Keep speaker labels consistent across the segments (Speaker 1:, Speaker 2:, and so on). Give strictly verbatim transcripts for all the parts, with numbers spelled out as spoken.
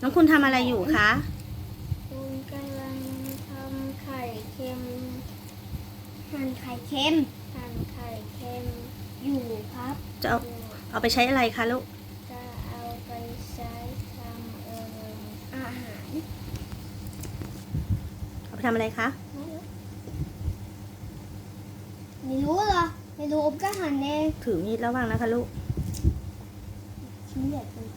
Speaker 1: น้องคุณทำอะไรอยู่คะ
Speaker 2: คุณกำลังทำไข่เค็มหั่นไข่เค็มหั่นไข่เค็มอยู่ครับ
Speaker 1: จะเอาเอาไปใช้อะไรคะลูก
Speaker 2: จะเอาไปใช้ทำเอ่ออาหาร
Speaker 1: เอาไปทำอะไรคะ
Speaker 2: ไม่รู้เหรอไม่รู้อบก็หั่นเอง
Speaker 1: ถือมีดระวังนะคะลูก
Speaker 2: ชิ้นใหญ่เกินไป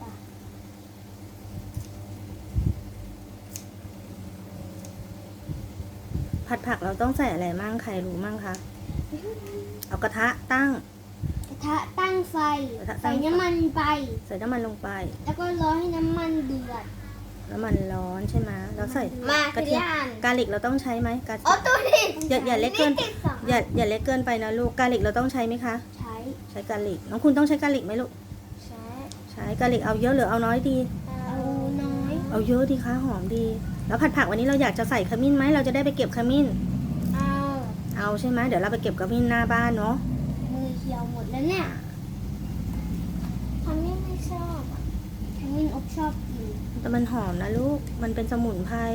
Speaker 1: ผัดผักเราต้องใส่อะไรมั่งใครรู้มั่งคะ เอากระทะตั้ง
Speaker 2: กระทะตั้งไฟ
Speaker 1: กระทะตั้
Speaker 2: ใส่
Speaker 1: งไฟ
Speaker 2: น้ำมันไป
Speaker 1: ใส่น้ำมันลงไป
Speaker 2: แล้วก็รอให้น้ำมันเดือด
Speaker 1: น้ำมันร้อนใช่ไหมแล้วใส่
Speaker 2: มาก
Speaker 1: ระเทียม
Speaker 2: ทีละอัน
Speaker 1: กาลิกเราต้องใช้ไหมกา
Speaker 2: อ๋อตัวนี้
Speaker 1: อย่าอย่าเล็กเกิน
Speaker 2: ติดสอง
Speaker 1: อย่าอย่าเล็กเกินไปนะลูก กาลิกเราต้องใช้ไหมคะ
Speaker 2: ใช้
Speaker 1: ใช้กาลิก น้องคุณต้องใช้กาลิกไหมลูก
Speaker 2: ใช้
Speaker 1: ใช้กาลิกเอาเยอะหรือเอาน้อยดี
Speaker 2: เอาน้อย
Speaker 1: เอาเยอะดีคะหอมดี แล้วผัดผักวันนี้เราอยากจะใส่ขมิ้นไหมเราจะได้ไปเก็บขมิ้น
Speaker 2: เอา
Speaker 1: เอาใช่ไหมเดี๋ยวเราไปเก็บขมิ้นหน้าบ้านเนาะ
Speaker 2: มือเขียวหมดแล้วเนี่ยทำยังไม่ชอบอ่ะทำยังอบชอบกิน
Speaker 1: แต่มันหอมนะลูก มันเป็นสมุนไพร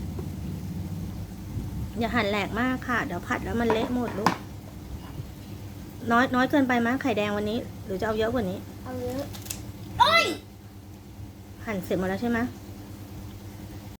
Speaker 1: อย่าหั่นแหลกมากค่ะ เดี๋ยวผัดแล้วมันเละหมดลูก น้อยน้อยเกินไปมั้ยไข่แดงวันนี้ หรือจะเอาเยอะกว่านี้
Speaker 2: เอาเยอะโอ้ย
Speaker 1: หั่นเสร็จหมดแล้วใช่ไหม
Speaker 2: ใ